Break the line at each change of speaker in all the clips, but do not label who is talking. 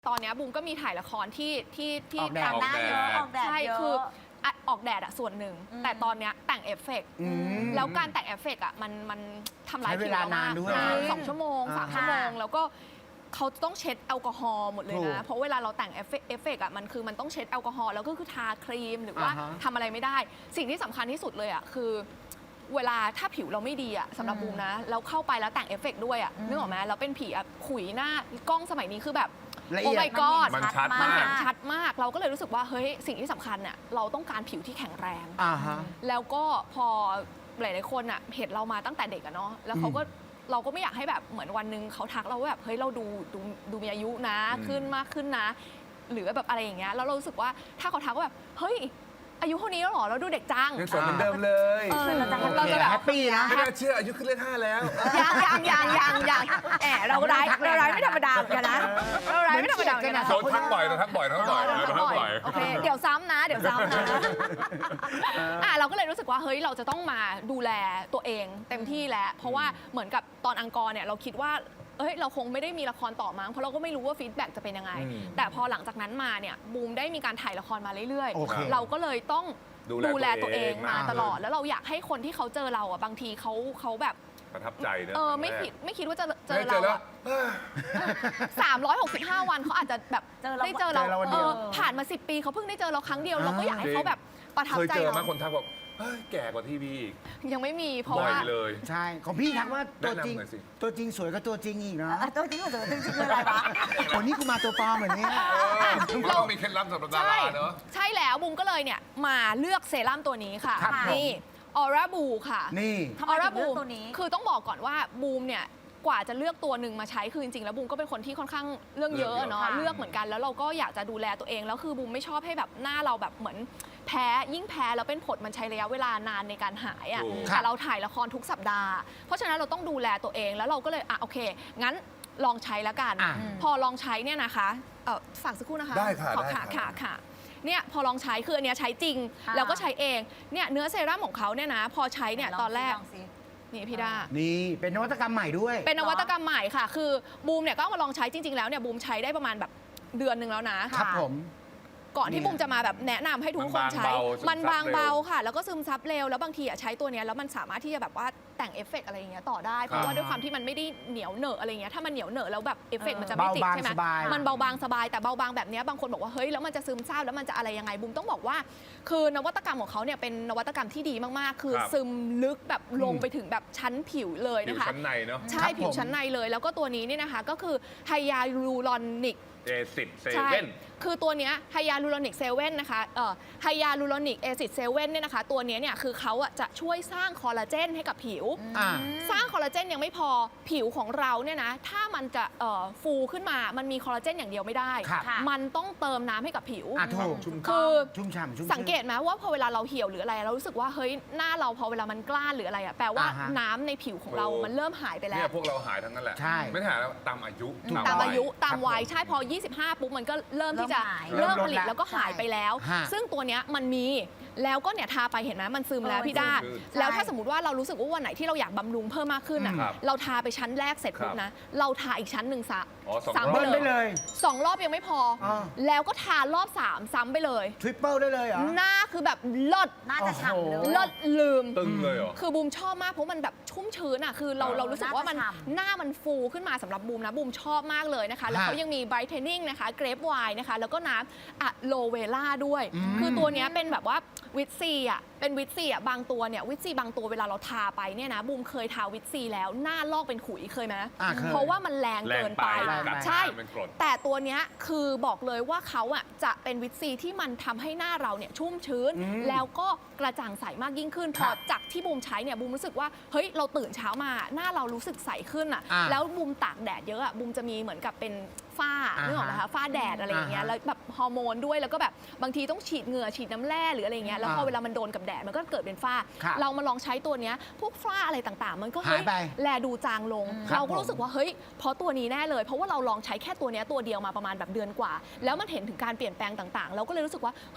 ตอนนี้บูมก็มีถ่ายละครที่
ออกแดด
ตามหน้าเยอะ
ออกแดด
ใช่
เยอะ
คือออกแดดอะส่วนหนึ่งแต่ตอนนี้แต่งเอฟเฟกต์แล้วการแต่งเอฟเฟกต์อะมันทำลายผิวเรามาก
ใช้เวลานานด้วย
2 ชั่วโมง 3 ชั่วโมงแล้วก็เขาต้องเช็ดแอลกอฮอล์หมดเลย
ถูก
นะเพราะเวลาเราแต่งเอฟเฟกต์อะมันต้องเช็ดแอลกอฮอล์แล้วก็คือทาครีมหรือว่า
อ่าฮะ
ทำอะไรไม่ได้ สิ่งที่สำคัญที่สุดเลยอะคือเวลาถ้าผิวเราไม่ดีอะสำหรับบูมนะแล้วเข้าไปแล้วแต่งเอฟเฟกต์ด้วยอะนึกออกไหมแล้วเป็นผีอะขุยหน้ากล้องสมัยนี้คือแบบ
ละเอี
โอ้
ยด
my god
มันชัด
มัน
มาก
เห็นชัดมาก เราก็เลยรู้สึกว่าเฮ้ยสิ่งที่สำคัญเนี่ยเราต้องการผิวที่แข็งแรง
ฮะ
แล้วก็พอหลายๆคนอ่ะเห็นเรามาตั้งแต่เด็กอะเนาะแล้วเขาก็เราก็ไม่อยากให้แบบเหมือนวันหนึงเขาทักเราว่าแบบเฮ้ยเราดูมีอายุนะขึ้นมากขึ้นนะ หรือแบบอะไรอย่างเงี้ยแล้วเรารู้สึกว่าถ้าเขาทักว่าแบบเฮ้ยอายุเท่านี้แล้วเหรอเราดูเด็กจัง
ยังสวยเหมือนเดิมเลย
เราจะแบบ
แฮปปี้นะ
ไม่น่าเชื่ออายุขึ้นเลข5แล้ว
ยังแอบเราร้ายไม่ธรรมดาเหมือนกันนะเราร้ายไม่ธรรมดาเหมือนกันนะ
โดนทักบ่อยโดนทักบ่อยโดนทักบ่อยโดนทักบ่อย
โอเคเดี๋ยวซ้ำนะเราก็เลยรู้สึกว่าเฮ้ยเราจะต้องมาดูแลตัวเองเต็มที่แล้วเพราะว่าเหมือนกับตอนอังกอร์เนี่ยเราคิดว่าเฮ้ยเราคงไม่ได้มีละครต่อมั้งเพราะเราก็ไม่รู้ว่าฟีดแบ็กจะเป็นยังไง แต่พอหลังจากนั้นมาเนี่ยบูมได้มีการถ่ายละครมาเรื่อย
โอเค
ๆเราก็เลยต้อง
ดูแลตัวเอง
มาตลอดแล้วเราอยากให้คนที่เขาเจอเราอ่ะบางทีเขาแบบ
ประทับใจเนอะ
ไม่คิดว่าจะเจ
เจ
อ
อ
เรา
แล้ว
อะ 365 วันเขาอาจจะแบบ
เจอเรา
ได้เจอเรา
เจอเราวันเดียว
ผ่านมา10 ปีเขาเพิ่งได้เจอเราครั้งเดียวเราก็อยากให้เขาแบบประทับ
เคย
ใจ
เจอ
เรา
ไหมคนทักบอกเฮ้ยแก่กว่าทีวีอีก
ยังไม่มีเพราะ
บ่อย
ว่า
เลย
ใช่ ของพี่ทักว่าตัวจริง
แนะนำหน่อยสิ
ตัวจริงสวยก็ตัวจริงอีกนะ
ตัวจริงหรือตัวจริงคืออะไรวะ
วันนี้กูมาตัวปลอมเหมือนนี้
เรามีเคล็ดลับสำหรับดาราเนอะ
ใช่แล้วบูมก็เลยเนี่ยมาเลือกเซรั่มตัวนี้ค่ะ
ครับผม
นี่ออร่าบูค่ะ
นี่
ทำไมถึงเลือกตัวนี้
คือต้องบอกก่อนว่าบูมเนี่ยกว่าจะเลือกตัวหนึ่งมาใช้คือจริงๆแล้วบูมก็เป็นคนที่ค่อนข้างเรื่องเยอะเนาะ
ค่ะ
เลือกเหมือนกันแล้วเราก็อยากจะดูแลตัวเองแล้วคือบูมไม่ชอบให้แบบหน้าเราแบบเหมือนแพ้ยิ่งแพ้แล้วเป็นผดมันใช้ระยะเวลานานในการหายอ่ะ
ถูก
แต่เราถ่ายละครทุกสัปดาห์เพราะฉะนั้นเราต้องดูแลตัวเองแล้วเราก็เลยโอเคงั้นลองใช้แล้วกัน
อ่ะ
พอลองใช้เนี่ยนะคะฝากสักครู่นะคะ
ได้ค่ะ
ขอ
ได้ค่ะ
ค่ะเนี่ยพอลองใช้คืออันเนี้ยใช้จริง
ค่ะ
แล้วก็ใช้เองเนี่ยเนื้อเซรั่มของเขาเนี่ยนะพอใช้เนี่ยตอนแรก
ลงสิ
นี่พี่ดา
นี่เป็นนวัตกรรมใหม่ด้วย
เป็นนวัตกรรมใหม่ค่ะ คือบูมเนี่ยก็เอามาลองใช้จริง ๆ แล้วเนี่ยบูมใช้ได้ประมาณแบบเดือนหนึ่งแล้วนะ
ครับผม
ก่อนที่
เนี่ย
บูมจะมาแบบแนะนำให้ทุกคนใช้
มันบางเบาซึมซับเร็ว
ค่ะ แล้วก็ซึมซับเร็ว แล้วบางทีใช้ตัวเนี้ยแล้วมันสามารถที่จะแบบว่าแต่งเอฟเฟกต์อะไรอย่างเงี้ยต่อได้ เพราะว่าด้วยความที่มันไม่ได้เหนียวเหนอะอะไรเงี้ย ถ้ามันเหนียวเหนอะแล้วแบบเอฟเฟกต์มันจะไม่ติด
เบาบาง
ใช่ไหม
สบาย
มันเบาบางสบาย แต่เบาบางแบบเนี้ยบางคนบอกว่าเฮ้ยแล้วมันจะซึมซาบแล้วมันจะอะไรยังไง บูมต้องบอกว่า คือนวัตกรรมของเขาเนี่ยเป็นนวัตกรรมที่ดีมากๆ คือซึมลึกแบบลงไปถึงแบบชั้นผิวเลย
ผิว
นะคะ
ชั้นในเนอะ
ใช่ผิวชั้นในเลย แล้วก็ตัวนี้เนี่ยนะคะก็คือไฮยาลูรอนิก
A10 เซ
ใช่
เว่น
คือตัวเนี้ยไฮยาลูโรนิกเซเว่นนะคะไฮยาลูโรนิกแอซิดเซเว่นเนี่ยนะคะ ตัวเนี้ยเนี่ยคือเขาอะจะช่วยสร้างคอลลาเจนให้กับผิว
อ่า
สร้างคอลลาเจนยังไม่พอผิวของเราเนี่ยนะ ถ้ามันจะฟูขึ้นมา มันมีคอลลาเจนอย่างเดียวไม่ได้
ครับ
มันต้องเติมน้ำให้กับผิว
ถูก
คือ
ชุ่มฉ่ำชุ่ม
สังเกตไหมว่าพอเวลาเราเหี่ยวหรืออะไรเรารู้สึกว่าเฮ้ยหน้าเราพอเวลามันกล้านหรืออะไรอะแปลว่า
อ่าฮะ
น้ำในผิวของเรา
ถูก
มันเริ่มหายไปแล้
เนี่ยว พวกเราหายทั้งนั้นแหละ
ใช่
ไม่หายแล้วตามอายุ
ตาม
วั
อายุตามวัย
ครับผม
ใช่พอ 25 ปุ๊บมันก็เริ่มที่จะ
เริ่
เริ่ม
มหาย
ผลิตแล้วก็หายไปแล้ว
ฮะ
ซึ่งตัวเนี้ยมันมีแล้วก็เนี่ยทาไปเห็นไหมมันซึมแล้วพี่ด้า
ซึม
แล้วถ้าสมมติว่าเรารู้สึกว่าวันไหนที่เราอยากบำรุงเพิ่มมากขึ้นอ่ะ
ครับ
เราทาไปชั้นแรกเสร็จปุ๊บนะ เราทาอีกชั้นหนึ่งซะ
อ๋อสอง
ซ้ำ
รอบ
ไป
เบิ้ล
เล
ได้
ย
เลย
2 รอบยังไม่พออา แล้วก็ทารอบ 3 ซ้ำไปเลย
ทริปเปิลได้เลยเหรอ
หน้าคือแบบเลิศ
น่าจะฉ่ำเลย
เลิศลืม
ตึงเลยเหรอ
คือบูมชอบมากเพราะมันแบบชุ่มชื้นอ่ะคือเรารู้สึกว่ามัน
น่าจะฉ่ำ
หน้ามันฟูขึ้นมาสำหรับบูมนะบูมชอบมากเลยนะคะ แล้วเขายังมีไบรท์เทนนิ่งนะคะเกรปไวน์นะคะแล้วก็น้ำอะโลเวล่าด้วย คือตัวเนี้ยเป็นแบบว่าวิตซีอ่ะเป็นวิตซีอ่ะบางตัวเนี่ยวิตซีบางตัวเวลาเราทาไปเนี่ยนะบูมเคยทาวิตซีแล้วหน้าลอกเป็นขุยเคยไหม
เคย
เพราะว่ามันแรงเกินไป
แรงไป
ใช่
เป็นกรด
แต่ตัวเนี้ยคือบอกเลยว่าเขาอ่ะจะเป็นวิตซีที่มันทำให้หน้าเราเนี่ยชุ่มชื้น แล้วก็กระจ่างใสมากยิ่งขึ้นพ
ครั
อบ จากที่บูมใช้เนี่ยบูมรู้สึกว่าเฮ้ยเราตื่นเช้ามาหน้าเรารู้สึกใสขึ้นอ่ะ
อ่า
แล้วบูมตากแดดเยอะอ่ะบูมจะมีเหมือนกับเป็นฝ้า
อ่าฮะ
นึกออกไหมคะฝ้าแดดอะไรอย่างเงี้ย
อ่าฮะ
แล้วแบบฮอร์โมนด้วยแล้วก็แบบบางทีต้องฉีดเหงื่อฉีดน้ำแร่หรืออะไรอย่างเงี้ยแล้วพอ
อ่า
เวลามันโดนกับแดดมันก็เกิดเป็นฝ้า
ครับ
เรามาลองใช้ตัวเนี้ยพวกฝ้าอะไรต่างๆ มันก็
หา
เฮ้
ย
ย
ไป
แลดูจางลง
ครับ
เราก็รู้สึกว่าเฮ้ยเพราะตัวนี้แน่เลย เพราะว่าเราลองใช้แค่ตัวเนี้ยตัวเดียวมาประมาณแบบเดือนกว่า แล้วมันเห็นถึงการเปลี่ยนแปลงต่างๆ เราก็เลยรู้สึกว่าเฮ้ย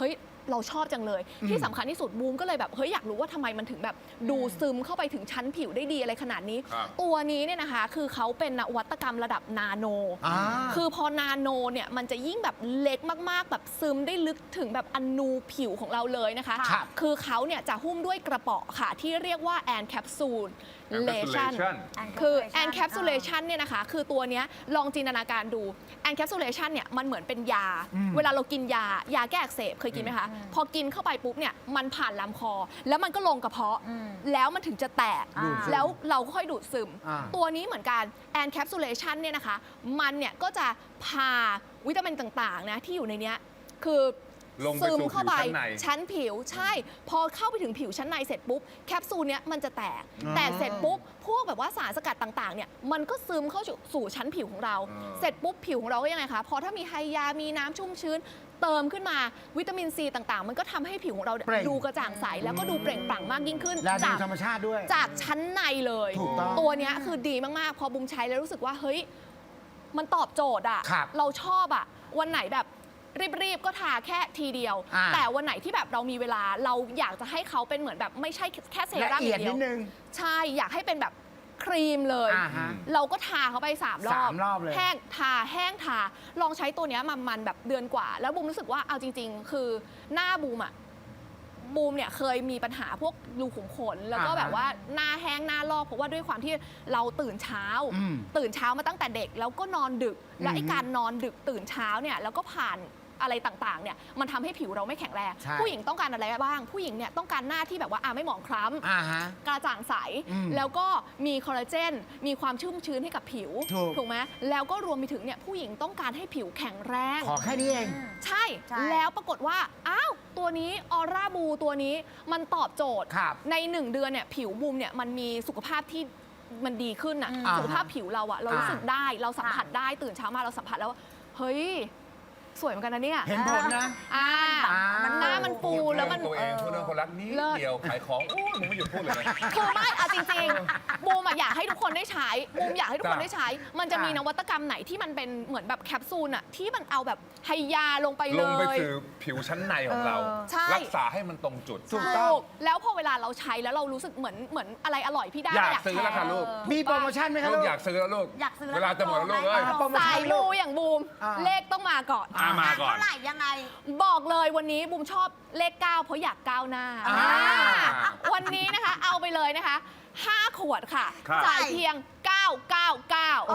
เราชอบจังเลย ที่สำคัญที่สุดบูมก็เลยแบบเฮ้ยอยากรู้ว่าทำไมมันถึงแบบดูซึมเข้าไปถึงชั้นผิวได้ดีอะไรขนาดนี้
ครับ
ตัวนี้เนี่ยนะคะคือเขาเป็นนวัตกรรมระดับนาโน คือพอนาโนเนี่ยมันจะยิ่งแบบเล็กมากๆแบบซึมได้ลึกถึงแบบอนูผิวของเราเลยนะคะ
ครับ
คือเขาเนี่ยจะหุ้มด้วยกระเป๋อค่ะที่เรียกว่าแอนแคปซูลเลชัน
Encapsulation
คือแอนแคปซูลเลชันเนี่ยนะคะคือตัวเนี้ยลองจินตนาการดูแอนแคปซูลเลชันเนี่ยมันเหมือนเป็นยา เวลาเรากินยาแก้อักเสบเคยกินไหมคะ พอกินเข้าไปปุ๊บเนี่ยมันผ่านลำคอ แล้วมันก็ลงกระเพาะ แล้วมันถึงจะแตก
ดูดซึม
แล้วเราค่อยดูดซึม
อ่า
ตัวนี้เหมือนกันแอนแคปซูลเลชันเนี่ยนะคะมันเนี่ยก็จะพาวิตามินต่างๆนะที่อยู่ในเนี้ยคือ
ลงไป
ซึม
สู่
เข้าไป
ผิวชั้นใน
ชั้นผิวใช่ พอเข้าไปถึงผิวชั้นในเสร็จปุ๊บแคปซูลเนี้ยมันจะแตก
อ๋อ
แตกเสร็จปุ๊บพวกแบบว่าสารสกัดต่างๆเนี่ยมันก็ซึมเข้าสู่ชั้นผิวของเรา เสร็จปุ๊บผิวของเราก็ยังไงคะพอถ้ามีไฮยามีน้ำชุ่มชื้น เติมขึ้นมาวิตามินซีต่างๆ มันก็ทำให้ผิวของเราเนี่ย
เปล่ง
ดูกระจ่างใสแล้วก็ดูเปล่งปลั่งมากยิ่งขึ้น
และดู
จาก
ธรรมชาติด้วย
จากชั้นในเลย
ถูกต้อง
ตัวเนี้ยคือดีมากๆ พอบุมใช้แล้วรู้สึกว่าเฮ้ยมันตอบโจทย์อะ
ครับ
เราชอบอะวันไหนแบบรีบๆก็ทาแค่ทีเดียว
อ่า
แต่วันไหนที่แบบเรามีเวลาเราอยากจะให้เขาเป็นเหมือนแบบไม่ใช่แค่เซ
ละ
รั่มอ
เอียด
ย่างเดี
นิ
ยว
ดนึง
ใช่อยากให้เป็นแบบครีมเลย
อ่าฮะ
เราก็ทาเขาไป3 รอบ
3 รอบเลย
แห้งทาแห้งทาลองใช้ตัวเนี้ยมันแบบเดือนกว่า แล้วบูมรู้สึกว่าเอาจริง ๆ คือหน้าบูมอะบูมเนี่ยเคยมีปัญหาพวกรูขุมขนแล้วก็
อ่าฮะ
แบบว่าหน้าแห้งหน้าลอกเพราะว่าด้วยความที่เราตื่นเช้า ตื่นเช้ามาตั้งแต่เด็กแล้วก็นอนดึก และไอ้การนอนดึกตื่นเช้าเนี่ยแล้วก็ผ่านอะไรต่างๆเนี่ยมันทำให้ผิวเราไม่แข็งแรง
ใช่
ผู้หญิงต้องการอะไรบ้าง ผู้หญิงเนี่ยต้องการหน้าที่แบบว่าไม่หมองคล้ำ
อ่าฮะ
กระจ่างใส แล้วก็มีคอลลาเจน มีความชุ่มชื้นให้กับผิว
ถูก
ไหมแล้วก็รวมไปถึงเนี่ยผู้หญิงต้องการให้ผิวแข็งแรง
ขอแค่นี้เอง
ใช่
ใช่
แล้วปรากฏว่า อ้าว ตัวนี้ออร่าบูตัวนี้มันตอบโจทย์
ครับ
ใน 1 เดือนเนี่ยผิวบูมเนี่ยมันมีสุขภาพที่มันดีขึ้นอะ
อ่า
สุขภาพผิวเราอะเรารู้สึกได้ เราสัมผัสได้ตื่นเช้ามาเราสัมผัสแล้วว่าเฮ้ย สวยเหมือนกันนะเนี่ย
เห็นผลนะ
อ่า
มัน
หน้ามันฟูแล้วมัน
ตัวเองพูดเรื่องคนรักนี้
เลิศ
เดียวขายของโอ้ยมึงไม่หยุดพูดเลยนะ
คือไม่เอาจริงๆ บูมอะอยากให้ทุกคนได้ใช้ บูมอยากให้ทุกคนได้ใช้ มันจะมีนวัตกรรมไหนที่มันเป็นเหมือนแบบแคปซูลอะที่มันเอาแบบไฮยาลงไป
ล
เล
งไป
ย
สู่ผิวชั้นในของเรา
ใช่
รักษาให้มันตรงจุด
ถูกต้อง
แล้วพอเวลาเราใช้แล้วเรารู้สึกเหมือนอะไรอร่อยพี่ได้
อยากซื้อแล้วค่ะลูก
มีโปรโมชั่นไหมครับ
ลู
ลู
ก
ก
อยากซื้อแล้วลูก
อยากซื้อแล้ว
เวลาจะหมดแล้วลูกเอ้ย
โปรโม
ชั่น
สายมูอย่างบูม
อ่า
เลขต้องมาก่อน
มาก่อน
เท่าไหร่ยังไง
บอกเลยวันนี้บูมชอบเลข 9 เพราะอยากก้าวหน้า
อ่า
วันนี้นะคะเอาไปเลยนะคะ 5 ขวดค่ะ
ครับ
จ่ายเพียง 999